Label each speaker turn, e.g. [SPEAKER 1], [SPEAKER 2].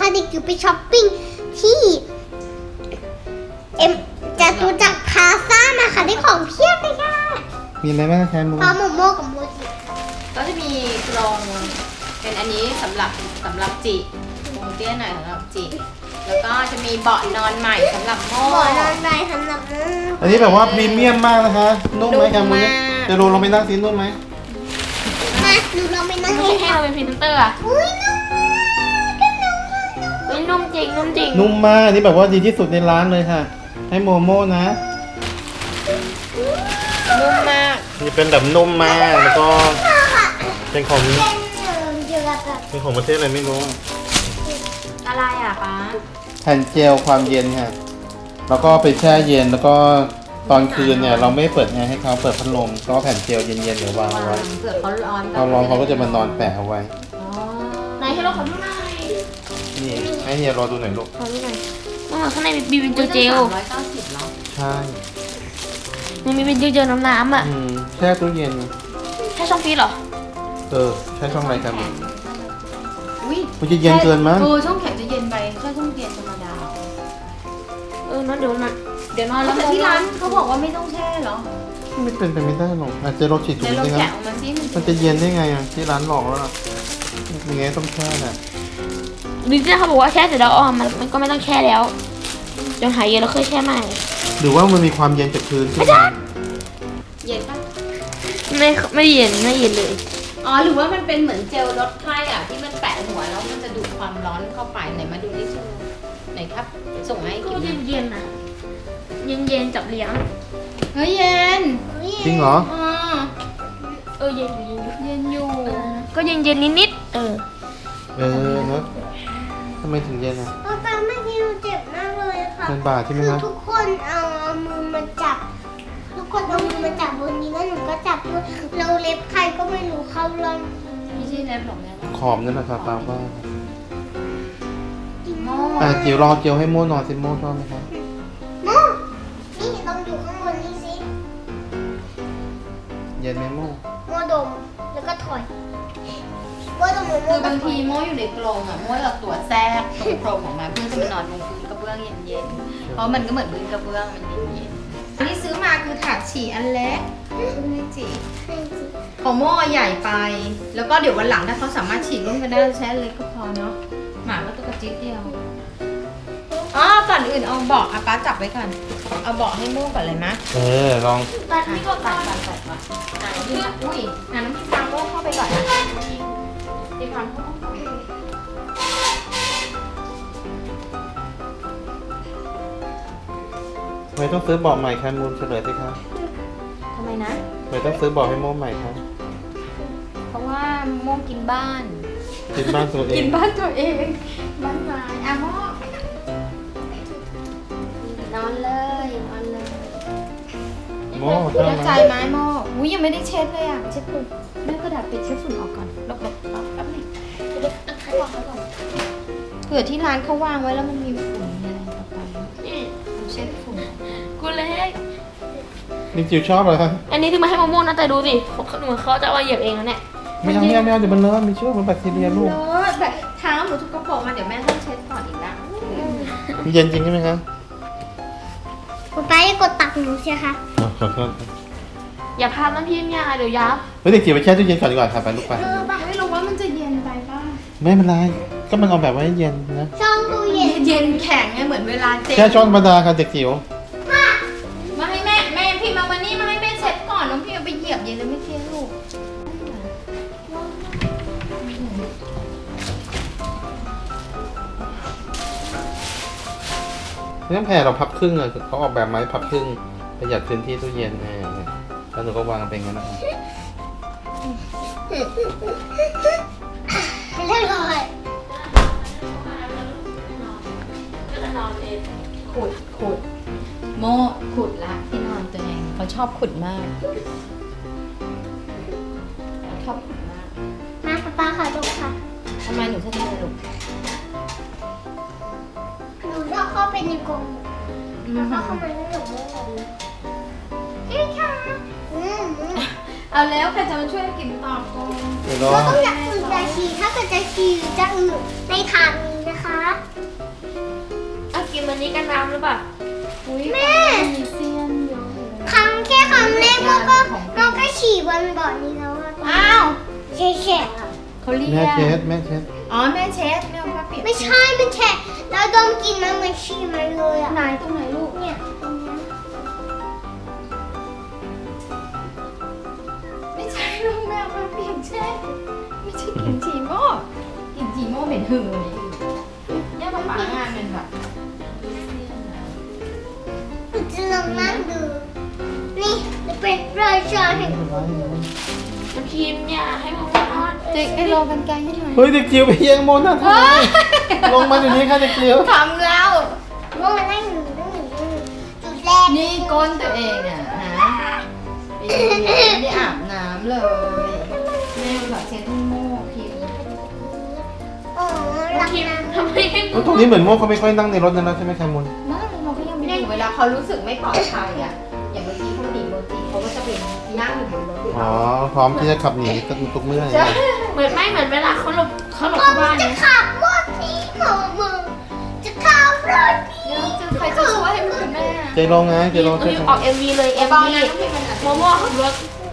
[SPEAKER 1] าเด็กจิ๋วไปช้อปปิ้งที่จตุจักรพลาซ่ามาค่ะได้ของเพียบเลยค่ะ
[SPEAKER 2] มีอะไรบ้างแคมูน
[SPEAKER 1] พร้อมโมกับโมจิ
[SPEAKER 3] ก็จะมีกรงเป็นอันนี้สำหรับจิกรงเตี้ยหน่อยสำหรับจิแล้วก็จะมีเบาะนอนใหม่สำหรับโม่
[SPEAKER 1] หมอนอนใบสำหรับโม
[SPEAKER 2] อันนี้แบบว่าพรีเมียมมากนะคะนุ่มไหมแคมูน
[SPEAKER 3] นุ่มมาก
[SPEAKER 2] จะโรลงไปนั่งซินุ่มไหม
[SPEAKER 1] มาหนูลองไปนั่ง
[SPEAKER 4] ไม่
[SPEAKER 1] เล่น
[SPEAKER 4] ให้เราเป็นพรีเซนเตอร์อ่ะ
[SPEAKER 1] อุ้ยนุ่มมากก็นุ่มมาก
[SPEAKER 4] เฮ้ยนุ่มจริงนุ่มจริง
[SPEAKER 2] นุ่มมากอันนี้แบบว่าดีที่สุดในร้านเลยค่ะ ให้โมโม่นะ
[SPEAKER 3] นุ่มมาก
[SPEAKER 2] นี่เป็นแบบนุ่มมากแล้วก็เป็นของ
[SPEAKER 1] เป็นเดือดแบบ
[SPEAKER 2] เป็นของประเทศอะไรไม่รู้
[SPEAKER 3] อะไรอ่ะป๊า
[SPEAKER 2] แผ่นเจลความเย็นค่ะแล้วก็ไปแช่เย็นแล้วก็ตอนคืนเนี่ยเราไม่เปิดแอร์ให้เขาเปิดพัดลมก็แผ่นเจลเย็นๆเดี๋ยววางเอาไว้
[SPEAKER 3] เผื่อเขาร้อน
[SPEAKER 2] เขาร้อนเขาก็จะมานอนแปะเอาไว้
[SPEAKER 3] อ๋อ
[SPEAKER 4] ไหนให้เราขอดูหน่อย
[SPEAKER 2] นี่ให้เฮียรอดูหน่อยลูก
[SPEAKER 4] ขอดูหน่อยข้างในมีเป็นเจล
[SPEAKER 3] 390เหรอ
[SPEAKER 2] ใช่
[SPEAKER 4] มันมีเป็นเจลน้ำอ่ะ
[SPEAKER 2] แช่ตู้เย็น
[SPEAKER 4] แค่ช่องฟรีซเหรอ
[SPEAKER 2] ใช้ช่องอะไรกัน
[SPEAKER 3] อุ้ย
[SPEAKER 2] มันจะเย็นเกินมั้ง
[SPEAKER 3] ช่องแข็งจะเย็นไปแค่ช่องเย็นธรรมดา
[SPEAKER 4] นั่นเดี๋ยวนอน
[SPEAKER 3] แล้
[SPEAKER 4] แล้ว ว
[SPEAKER 3] แต่ที่ร้านเขาบอกว่าไม่ต้องแช่เหรอ
[SPEAKER 2] ไม่เป็นไปไม่ได้หรอกอาจจะรถฉีดถุ
[SPEAKER 3] เดี๋
[SPEAKER 2] ง
[SPEAKER 3] ยวเรา
[SPEAKER 2] สิค
[SPEAKER 3] แกะ
[SPEAKER 2] รับ
[SPEAKER 3] ออกมาสิ
[SPEAKER 2] มันจะเย็นได้ไงอ่ะที่ร้านหลอกแล้วล่ะยังไงต้องแช่น่ะ
[SPEAKER 4] ดิจิเขาบอกว่าแช่เสร็จแล้วมันก็ไม่ต้องแช่แล้วจนหายเย็นแล้วค่อยแช่ใหม่
[SPEAKER 2] หรือว่ามันมีความเย็นจากพื้นขึ้นมา
[SPEAKER 3] เย็นปะ
[SPEAKER 4] ไม่เย็นเลย
[SPEAKER 3] อ๋อหรือว่ามันเป็นเหมือนเจลลดไข้อ่ะที่มันแปะหัวแล้วมันจะดูดความร้อนเข้าไปไหนมาดูดิชูไหนครับ ส่งมาให้
[SPEAKER 4] ก็
[SPEAKER 3] กิน
[SPEAKER 4] เย็นนะเย็นจับเลี้ยง
[SPEAKER 3] เฮ้ยเย็น
[SPEAKER 2] จริงเหรอ
[SPEAKER 3] อ๋อ
[SPEAKER 4] เย็น
[SPEAKER 3] เย็นอยู่
[SPEAKER 4] ก็เย็นนิด
[SPEAKER 2] เนอะทำไมถึงเย็นอ่ะ
[SPEAKER 1] ตอนเมื่อกี้หนูเจ็บมากเลยค่ะ
[SPEAKER 2] มันบาดใช่ไหม
[SPEAKER 1] คือ
[SPEAKER 2] คะ
[SPEAKER 1] ทุกคนเอามือมาจับ ทุกคนเอามือมาจับบนนี้แล้วหนูก็จับด้วยเราเล็บใครก็ไม่รู้เข้าร่อง
[SPEAKER 3] ไม่ใช่เล็บหรอกแม่
[SPEAKER 2] ขอบนั่นแหละครับตามว่า
[SPEAKER 3] โม่
[SPEAKER 2] จิ๋วรอเจียวให้โม่นอนสิโม่ชอบไหมครับ
[SPEAKER 1] โมนี่ลองอยู่ข้างบนนี่สิ
[SPEAKER 2] เย็นไหมโม่
[SPEAKER 1] โมดมแล้วก็ถอยโมดมโม
[SPEAKER 3] คือบา
[SPEAKER 1] ก็
[SPEAKER 3] ง
[SPEAKER 1] ถ
[SPEAKER 3] ที
[SPEAKER 1] อย
[SPEAKER 3] โม่อยู่ในกรงอ่ะโม่เอาตัวแทรกตรงโครงออกมาเพื่อจะมานอนบนพื้นกระเบื้องเย็นๆเพราะมันก็เหมือนพื้นกระเบื้องมันเย็นๆอันนี้ซื้อมาคือถาดฉี่อันเล็กไม่จีของโม่ใหญ่ไป แล้วก็เดี๋ยววันหลังถ้าเขาสามารถฉี่ร่วมกันได้ใช้อันเล็กก็พอเนาะหมาก็ตัวกระจิ๊ดเดียวอ๋อก่อนอื่นเอาเบาะป้าจับไว้ก่อนเอาเบาะให้โม่ก่อนเลยมะ
[SPEAKER 2] ลอง
[SPEAKER 4] ตัดนี่ก็ตัด
[SPEAKER 3] อุ้ยน้ำพริกปลาโม่เข้าไปก่อนนะดีความเข้า
[SPEAKER 2] ทำไมต้องซื้อเบาะใหม่ครับมูลเฉลยสิครับ
[SPEAKER 3] ทำไมนะ
[SPEAKER 2] ทำไมต้องซื้อเบาะให้โม่ใหม่ครับ
[SPEAKER 3] เพราะว่าโม่กินบ้าน
[SPEAKER 2] กินบ้านตัวเอ
[SPEAKER 3] กิ
[SPEAKER 2] ง
[SPEAKER 3] นบ้านตัวเองบ้านไม้อ่ะโม่นอนเลยนอนเลย
[SPEAKER 2] โม่ชอบ
[SPEAKER 3] แล้ว
[SPEAKER 2] ไหม
[SPEAKER 3] ใจไหมโม่อุ้ยยังไม่ได้เช็ดเลยอ่ะเช็ดฝุ่นแม่กระดาษปิดเช็ดฝุ่นออกก่อนลบแป๊บนึงเผื่อที่ร้านเขาวางไว้แล้วมันมีฝุ่นอะไรต่อไปเช็ดฝุ่น
[SPEAKER 4] กูเล็ก
[SPEAKER 2] นี่จิ๋วชอบเหรอครับ
[SPEAKER 4] อันนี้ที่มาให้มะม่วงนะแต่ดูสิเหมือนเขาจะเอามาเหยียบเองนะเนี่ย
[SPEAKER 2] ไม่เอาเดี๋ยวมันเลอะมีเชื้อมันแบคทีเรียลูก
[SPEAKER 3] เลอะแบบเท้าหนูทุกกระโปรงมาเดี๋ยวแม่ต้องเช็ดก่อนอีกละ
[SPEAKER 2] มีเย็นจริงใช่ไหมครับ
[SPEAKER 1] ป๊าป๊าอย่ากดตักหนูสิคะ
[SPEAKER 2] ขอโทษ
[SPEAKER 4] อย่าพลาดนะพี่เนี่ยเดี๋ยวยับ
[SPEAKER 2] เฮ้ยเด็กจิ๋วไปแช่ตู้เย็นก่อนดีกว่าค่ะไปลูกไป
[SPEAKER 3] ไม่รู้ว่ามันจะเย็นไปป่ะ
[SPEAKER 2] ไม่เป็นไรก็มันเอาแบบไว้ให้เย็นนะ
[SPEAKER 1] ช่องตู้เย็น
[SPEAKER 3] เย็นแข็งไงเหมือนเวลาเจ๊
[SPEAKER 2] แช่ช้อนธรรมดาค่ะเด็กจิ๋ว
[SPEAKER 3] มาให้แม่พี่มาวันนี้มาให้แม่เช็ดก่อนน้องพี่เอาไปเหยียบเย็นแล้วไม่เทลูก
[SPEAKER 2] ไม่ต้องแผ่เราพับครึ่งอ่ะเขาออกแบบไม้พับครึ่งประหยัดพื้นที่ตู้เย็นแล้วหนูก็วางเป็นงั้นนะครับ
[SPEAKER 1] เรียบร้อย
[SPEAKER 3] ขุดโม่ขุดละที่นอนตัวเองเขาชอบขุดมากชอบขุดมาก
[SPEAKER 1] มาป๊าป๊าค่ะดูค่ะ
[SPEAKER 3] ทำไมหนูชอบทำไมลูก
[SPEAKER 1] หนูชอบเข้าไปในกรงแล้วก็เข้ามาในหนูเฮ้ยค่ะ
[SPEAKER 3] เอาแล้วใครจะมาช่วยกินต่อก่อน
[SPEAKER 2] เดี๋ยวรอ
[SPEAKER 1] ก็ต้องอยากอื่นจะฉี่ถ้าเกิดจะฉี่หรือจะอื่นในทางนี้นะนะคะ
[SPEAKER 4] เอากินวันนี้กันน้ำหรือเปล่า
[SPEAKER 3] อุ๊ย
[SPEAKER 1] แม่
[SPEAKER 3] มีเซียนเยอะเลย
[SPEAKER 1] ครั้งแรกมันก็ฉี่บนบ่อนี้แล้วอะ
[SPEAKER 3] อ้าว
[SPEAKER 1] แฉะๆอะ
[SPEAKER 3] เขาเรียก
[SPEAKER 2] แม่เช็ดแม่เช็ด
[SPEAKER 3] อ๋อแม่เช็ดแม่เอาผ้าเปียก
[SPEAKER 1] ไม่ใช่มันแฉะแล้วดมกลินมันเหมือนฉี่มันเลยอะ
[SPEAKER 3] ไหนตรงไหนลูก
[SPEAKER 1] เนี่ยตรงเนี้ย
[SPEAKER 3] ไม่ใช่ลูกแม่เอาผ้าเปียกเช็ดไม่ใช่กลิ่นฉี่โม่กลิ่นฉี่โม่เหม็นหึ่งเลยเนี่ยป๊าป๊างานเป็นแบบมีเซียนนะ
[SPEAKER 1] หนูจะลองนั่งดู นี่จะเป็นราชาแห่ง
[SPEAKER 4] น้ำครีมเนี่ยให้มันนอน
[SPEAKER 3] เด็กไอ้รอกันไกลให้หน่อย
[SPEAKER 2] เฮ้ยเด็กจิ๋วไปแย่งโมนะทำไมลงมาเดี๋ยวนี้ค่ะเด็กจิ๋ว
[SPEAKER 3] ทำแล้ว
[SPEAKER 1] ว่ามันนั่งอยู่จุดแรก
[SPEAKER 3] นี่ก้นตัวเองอ่ะฮะปีนี้ไม่ได้อาบน้ำเลยแม่แบบเช็ดให้โม่พิมพ์
[SPEAKER 1] โอ้รัก
[SPEAKER 4] น้ำครีม
[SPEAKER 1] นะ
[SPEAKER 4] ทำไมให้
[SPEAKER 2] ตรงนี้เหมือนโมเขาไม่ค่อยนั่งในรถนะใช่ไหมแคมุน
[SPEAKER 3] นั่งเราก็ยังไม่ได้อยู่เวลาเขารู้สึกไม่ปลอดภัยอ่ะอย่างเมื่อกี้เขาตีโมจิเขาก็จะเป็นนั่งอยู่บนรถ
[SPEAKER 2] อ๋อพร้อมที่จะขับหนีทุกเมื่อ
[SPEAKER 3] ใช่
[SPEAKER 4] เหมือนไม่เหมือนเวลาเขาหลบ
[SPEAKER 1] มั
[SPEAKER 4] เข้าบ้าน
[SPEAKER 1] จะ
[SPEAKER 4] เนี่ย
[SPEAKER 1] ขับรถนี้มึงจะขับรถนี้
[SPEAKER 3] ใครจะช่วยให้คุณแม่
[SPEAKER 2] ใจลงไงใจลง
[SPEAKER 4] ออก MV เลย
[SPEAKER 3] เบา
[SPEAKER 4] MV
[SPEAKER 3] นะต้องพิมพ์มันอ่ะ
[SPEAKER 4] โมโม่ขับรถ